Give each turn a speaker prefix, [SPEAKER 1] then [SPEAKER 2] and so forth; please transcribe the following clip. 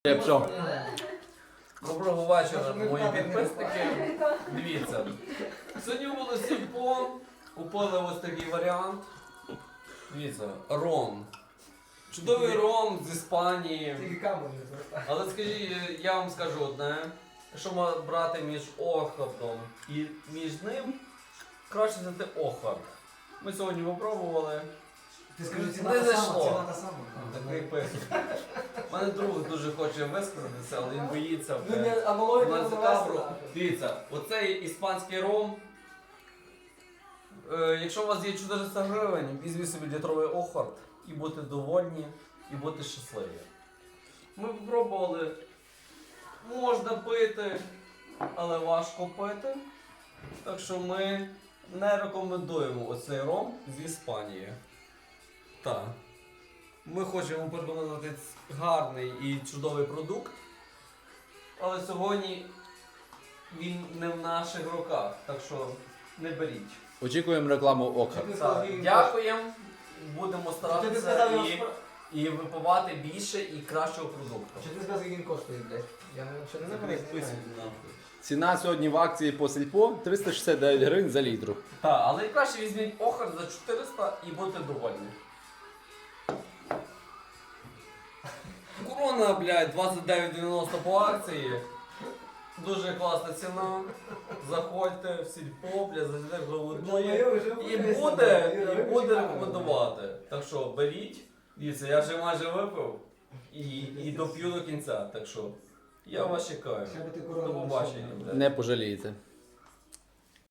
[SPEAKER 1] Що?
[SPEAKER 2] Доброго вечора, мої підписники. Дивіться. Сьогодні було сільпо, купили ось такий варіант. Дивіться, ром. Чудовий ром з Іспанії. Але скажіть, я вам скажу одне. Якщо брати між Охартом і між ним, краще взяти Охарт. Ми сьогодні попробували.
[SPEAKER 3] Ти скажи,
[SPEAKER 2] Не
[SPEAKER 3] ціна та
[SPEAKER 2] зайшло.
[SPEAKER 3] сама, ціна та сама.
[SPEAKER 2] Такий писок. У мене друг дуже хоче висказатися, але він боїться. Дивіться, оцей іспанський ром. Якщо у вас є 400 гривень, візьміть собі літровий Охарт і будьте довольні, і будьте щасливі. Ми спробували. Можна пити, але важко пити. Так що ми не рекомендуємо оцей ром з Іспанії. Так. Ми хочемо пропонувати гарний і чудовий продукт, але сьогодні він не в наших руках, так що не беріть.
[SPEAKER 1] Очікуємо рекламу Ока.
[SPEAKER 2] Так, дякуємо, будемо старатися і випивати більше і кращого продукту.
[SPEAKER 3] Чи ти сказав, скільки він коштує, блядь? Я не знаю.
[SPEAKER 1] Ціна сьогодні в акції по сільпо 369 гривень за літру.
[SPEAKER 2] Так, але краще візьміть Охарт за 400 і будьте довольні. Корона, блядь, 29,90 по акції. Дуже класна ціна. Заходьте в сільпо, блядь, зайдете голодує. І буде рекомендувати. Так що беріть. Дивіться, я вже майже випив і доп'ю до кінця. Так що я вас чекаю. До побачення.
[SPEAKER 1] Не пожалієте.